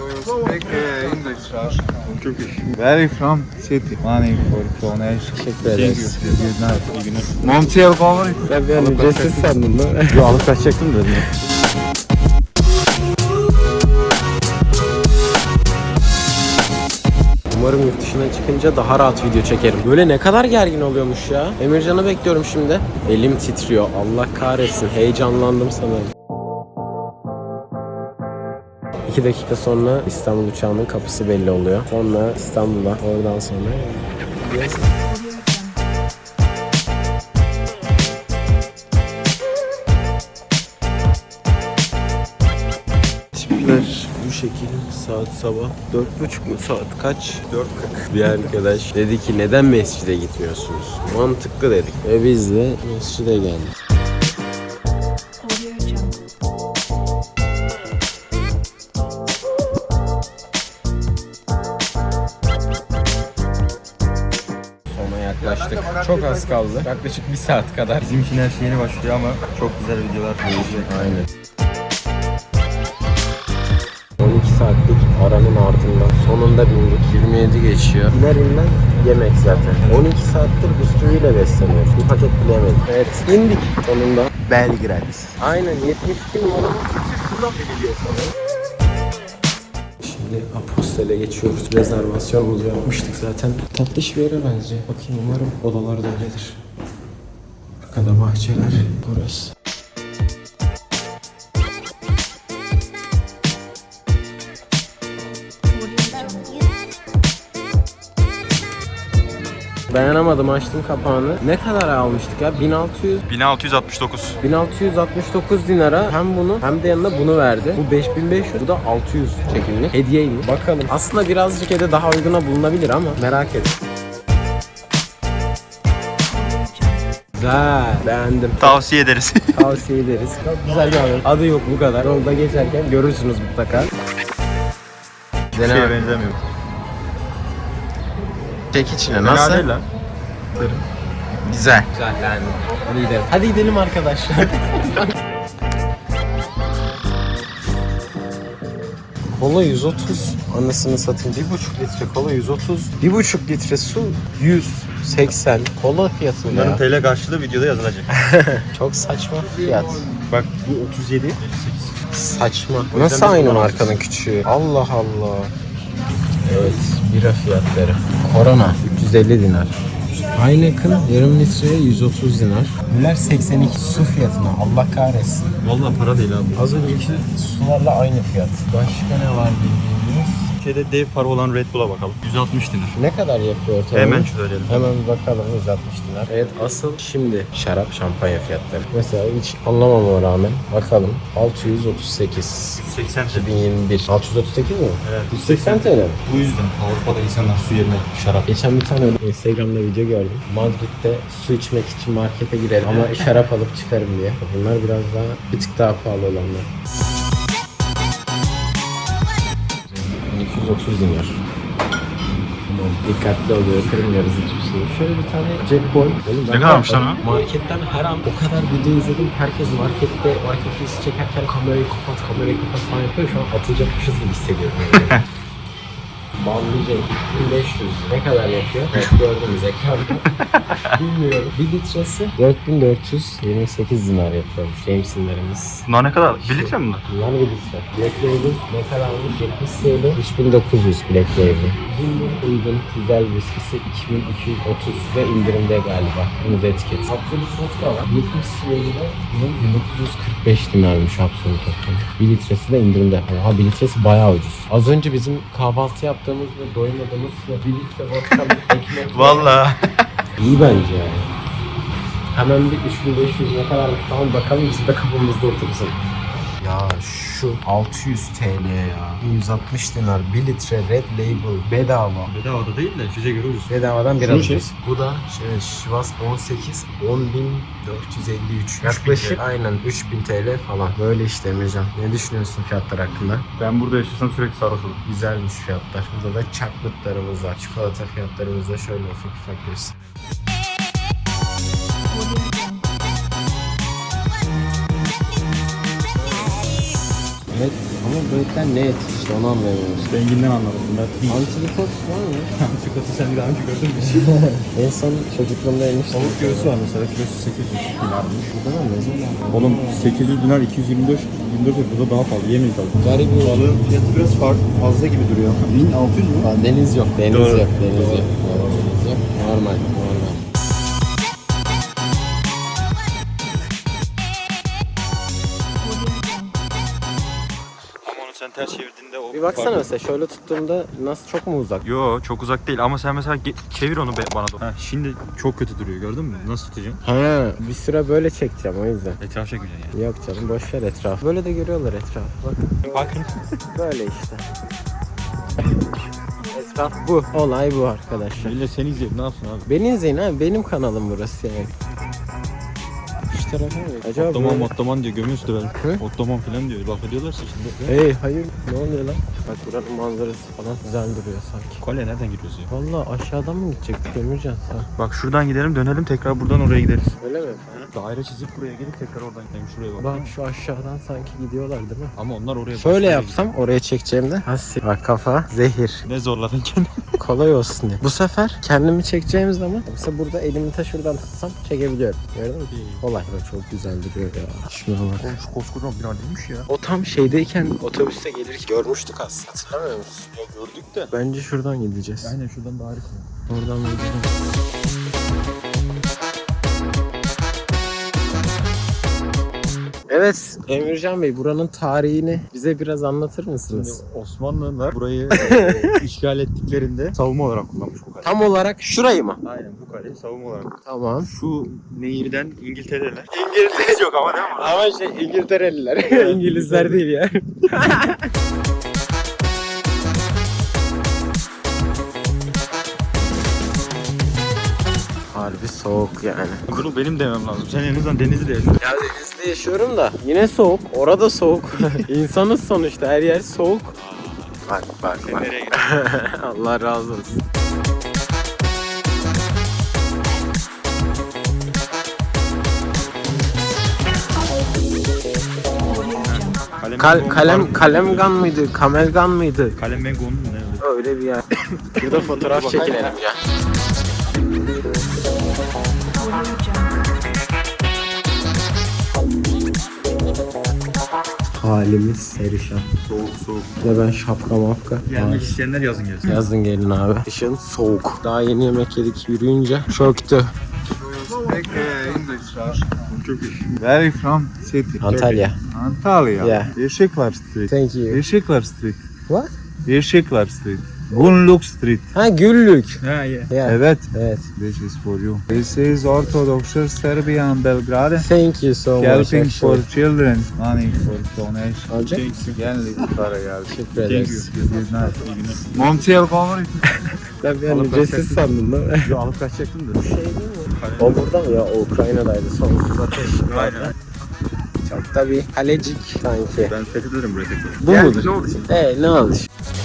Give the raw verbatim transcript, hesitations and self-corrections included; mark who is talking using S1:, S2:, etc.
S1: speak uh, English, Russian. Turkish. Where are you from? City. Money for donation.
S2: Teşekkür ederiz.
S1: Good night. Montiel favori.
S2: Ben bir an ücretsiz sandım da. Yo, alıp kaçacaktım dedim. Umarım yurt dışına çıkınca daha rahat video çekerim. Böyle ne kadar gergin oluyormuş ya. Emircan'ı bekliyorum şimdi. Elim titriyor. Allah kahretsin. Heyecanlandım sanırım. İki dakika sonra İstanbul uçağının kapısı belli oluyor. Sonra İstanbul'a, oradan sonra... Tipler bu şekil. Saat sabah dört buçuk mu? Saat kaç? dört kırk. Bir arkadaş dedi ki neden mescide gitmiyorsunuz? Mantıklı dedik. Ve biz de mescide geldik. Yaklaştık. Çok az kaldı. Yaklaşık bir saat kadar.
S3: Bizim için her şey yeni başlıyor ama çok güzel videolar gelecek.
S2: Aynen. on iki saatlik aranın ardından sonunda bindik. yirmi yedi geçiyor. İner inmez yemek zaten. on iki saattir bisküviyle besleniyoruz. Bir paket bile yemedik. Evet, indik sonunda.
S3: Belgrad.
S2: Aynen, yetmiş iki numaralı şuradan bir geliyor sanırım. Şimdi Apostel'e geçiyoruz. Rezervasyonumuzu yapmıştık zaten. Tatlış bir yere benziyor. Bakayım, umarım odalar da öyledir. Arkada bahçeler. Burası. Dayanamadım, açtım kapağını. Ne kadar almıştık ya? bin altı yüz
S3: bin altı yüz altmış dokuz.
S2: bin altı yüz altmış dokuz dinara hem bunu hem de yanına bunu verdi. Bu beş bin beş yüz, bu da altı yüz çekimlik. Hediyeymiş. Bakalım. Aslında birazcık hede daha uyguna bulunabilir ama merak et. Güzel. Beğendim.
S3: Tavsiye ederiz.
S2: Tavsiye ederiz. Çok güzel bir haber. Adı yok, bu kadar. Yolda geçerken görürsünüz mutlaka.
S3: Hiçbir şeye benzemiyor.
S2: Çek içine. Nasıl?
S3: Fena değil lan.
S2: Güzel. Güzel, beğendim. Hadi gidelim. Hadi gidelim arkadaşlar. Kola yüz otuz. Anasını satayım. bir buçuk litre kola yüz otuz. bir buçuk litre su yüz seksen. Kola fiyatı
S3: Bunların
S2: ya.
S3: T L karşılığı videoda yazılacak.
S2: Çok saçma fiyat.
S3: Bak bu otuz yedi.
S2: Saçma. Nasıl aynı markanın küçüğü? Allah Allah. Evet, bira fiyatları. Korona üç yüz elli dinar. Heineken yarım litreye yüz otuz dinar. Müller seksen iki. Su fiyatına Allah kahretsin.
S3: Vallahi para değil abi.
S2: Az önceki sularla aynı fiyat. Başka ne var bildiğiniz?
S3: Türkiye'de dev para olan Red Bull'a bakalım. yüz altmış dinar.
S2: Ne kadar yapıyor ortalama?
S3: Hemen söyleyelim.
S2: Hemen bir bakalım, yüz altmış dinar. Evet, asıl şimdi şarap şampanya fiyatları. Mesela hiç anlamama rağmen bakalım. altı yüz otuz sekiz.
S3: yüz seksen
S2: iki bin yirmi bir. altı yüz otuz sekiz mi?
S3: Evet.
S2: yüz seksen T L mi?
S3: Bu yüzden Avrupa'da insanlar su yerine şarap.
S2: Geçen bir tane Instagram'da video gördüm. Madrid'de su içmek için markete girelim ama şarap alıp çıkarım diye. Bunlar biraz daha, bir tık daha pahalı olanlar. iki yüz otuz dinar. Dikkatli oluyoruz, kırmıyoruz hiçbir şeyi. Şöyle bir tane Jackboy.
S3: Ne kadarmış lan o?
S2: Marketten her an o kadar video izledim. Herkes markette, market videosu çekerken kamerayı kapat, kamerayı kapat falan yapıyor. Şu an atılacakmışız gibi hissediyorum. Yani. Banlayacak üç bin beş yüz ne kadar yapıyor? Evet, gördünüz ekranda. Bilmiyorum. Bir litresi dört bin dört yüz yirmi sekiz dinar yapıyormuş James'inlerimiz.
S3: Bunlar ne kadar? bir litre mi bunlar?
S2: Bunlar bir litre. Black Label ne kadarmış? yetmiş T L. üç bin dokuz yüz Black Label. Uygun, uygun, güzel viskisi iki bin iki yüz otuz ve indirimde galiba. Kırmızı etiket. Absolut vodka var. yetmiş T L'de bunun bin dokuz yüz kırk beş dinarmış Absolut vodka. bir litresi de indirimde. Oha, bir litresi bayağı ucuz. Az önce bizim kahvaltı yaptığımız ve doymadığımız bir litre vodka ekmek.
S3: Vallahi.
S2: İyi bence yani. Hemen bir üç bin beş yüz ne kadarmış falan bakalım, bizim de kafamızda otursun. Ya şu altı yüz T L ya. yüz altmış dinar bir litre Red Label bedava.
S3: Bedava da değil de size göre ucuz.
S2: Bedavadan bir
S3: Şunu
S2: alacağız. Bu da şey, Şivas on sekiz on bin dört yüz elli üç. Yaklaşık aynen üç bin T L falan. Böyle işte Emircan. Ne düşünüyorsun fiyatlar hakkında?
S3: Ben burada yaşasam sürekli sarhoş olurum.
S2: Güzelmiş fiyatlar. Burada da chocolate var. Çikolata fiyatlarımız da şöyle ufak ufak göstereyim. Evet, ama Ama böğürtlen ne eti işte onu anlayamıyoruz.
S3: Renginden anladım.
S2: Antrikot var mı?
S3: Antrikotu sen daha önce gördün mü?
S2: En son çocukluğumda yemiştim.
S3: Tavuk göğsü var mesela. Kilosu sekiz yüz dinarmış.
S2: Burada da ne zaman?
S3: Oğlum sekiz yüz dinar iki yüz yirmi dört yirmi dört burada daha pahalı. Yemeyiz abi.
S2: Garip bir
S3: Balığın fiyatı biraz farklı, fazla gibi duruyor. bin altı yüz mü?
S2: Aa, deniz yok, deniz
S3: Doğru.
S2: yok, deniz yok. Doğru, deniz yok. Normal, normal.
S3: Ama onu sen ters çevirdiğinde o...
S2: Bir baksana mesela şöyle tuttuğumda nasıl çok mu uzak?
S3: Yo çok uzak değil ama sen mesela ge- çevir onu be- bana doğru. Ha, şimdi çok kötü duruyor gördün mü? Nasıl tutacaksın?
S2: Ha, bir süre böyle çekeceğim o yüzden.
S3: Etraf çekmeyeceksin yani.
S2: Yok canım boş ver etrafı. Böyle de görüyorlar etrafı bak.
S3: Bakın.
S2: Böyle işte. Etraf bu. Olay bu arkadaşlar.
S3: Millet seni izleyip ne yapsın abi?
S2: Beni izleyin abi benim kanalım burası yani. Şu tarafa mı? Acaba
S3: Ottoman
S2: böyle-
S3: Ottoman diyor gömüyorsun da
S2: Hı?
S3: ben. Ottoman falan diyor. Laf ediyorlarsa şimdi.
S2: Hey hayır ne oluyor lan? Bak buranın manzarası falan güzel duruyor sanki.
S3: Kale nereden giriyoruz ya?
S2: Valla aşağıdan mı gidecektik Emircan sen?
S3: Bak şuradan gidelim dönelim tekrar buradan oraya gideriz.
S2: Öyle mi?
S3: Daire çizip buraya gelip tekrar oradan gidelim şuraya bak.
S2: Bak şu aşağıdan sanki gidiyorlar değil mi?
S3: Ama onlar oraya
S2: Şöyle
S3: başka
S2: yapsam oraya çekeceğimde. Hasi. Bak kafa zehir.
S3: yere- Ne zorladın kendini?
S2: Kolay olsun diye. Bu sefer kendimi çekeceğim zaman mesela burada elimi ta şuradan tutsam çekebiliyorum. Gördün mü? Kolay. Bak çok güzel duruyor ya. Şuna bak.
S3: Oğlum şu koskocaman bina değilmiş ya.
S2: O tam şeydeyken otobüste gelirken görmüştük aslında. Hatırlamıyor musun?
S3: Ya gördük de.
S2: Bence şuradan gideceğiz.
S3: Aynen şuradan daha harika.
S2: Oradan gidelim. Evet Emircan Bey buranın tarihini bize biraz anlatır
S3: Şimdi
S2: mısınız?
S3: Osmanlılar burayı e, işgal ettiklerinde savunma olarak kullanmış bu kaleyi.
S2: Tam olarak şurayı mı?
S3: Aynen bu kaleyi savunma olarak.
S2: Tamam.
S3: Şu nehirden İngiltere'ler. İngiltere yok ama değil mi?
S2: Ama şey İngiltereliler. İngilizler değil ya. Harbi soğuk yani.
S3: Bunu benim demem lazım. Sen en azından Denizli'de yaşıyorsun.
S2: Ya denizde yaşıyorum da yine soğuk. Orada soğuk. İnsanız sonuçta her yer soğuk. Bak bak bak.
S3: Nereye gidiyorsun?
S2: Allah razı olsun. Kal kalem kalemgan mıydı? Kamelgan mıydı?
S3: Kalem Mengo'nun mu ne öyle?
S2: Öyle bir yer. Burada fotoğraf çekinelim ya. Halimiz perişan.
S3: Soğuk soğuk.
S2: Ve ben şapka mapka.
S3: Gelmek isteyenler yazın gelsin.
S2: Yazın gelin abi. Kışın soğuk. Daha yeni yemek yedik yürüyünce. Çöktü.
S1: Speak uh, English, Russian.
S3: Turkish.
S1: Where are you from? City.
S2: Antalya.
S1: Antalya.
S2: Yeah.
S1: Yeşiklar Street.
S2: Thank you.
S1: Yeşiklar Street.
S2: What?
S1: Yeşiklar Street. Gunluk Street.
S2: Ha güllük.
S3: Ha yeah.
S2: Yeah.
S1: Evet.
S2: Evet.
S1: This is for you. This is Orthodox Serbia and Belgrade.
S2: Thank you so much.
S1: Helping for
S2: actually.
S1: children. Money for donation.
S2: Alacak
S3: Thank
S2: mısın?
S3: you.
S1: Geldik para geldi.
S2: Teşekkür
S3: Thank you.
S2: ederiz.
S1: Good night. Montiel Connery.
S2: Ben bir an
S3: Alıp
S2: ücretsiz
S3: bakacaktım.
S2: sandım değil mi?
S3: Yo alıp kaçacaktım da.
S2: Şey değil mi? O burada mı ya? O Ukrayna'daydı. Sonsuz ateş.
S3: Aynen.
S2: Çok da bir kalecik sanki.
S3: Ben fethederim burayı tekrar.
S2: Bu
S3: Geldik,
S2: mudur?
S3: ne oldu şimdi?
S2: Ee ne oldu?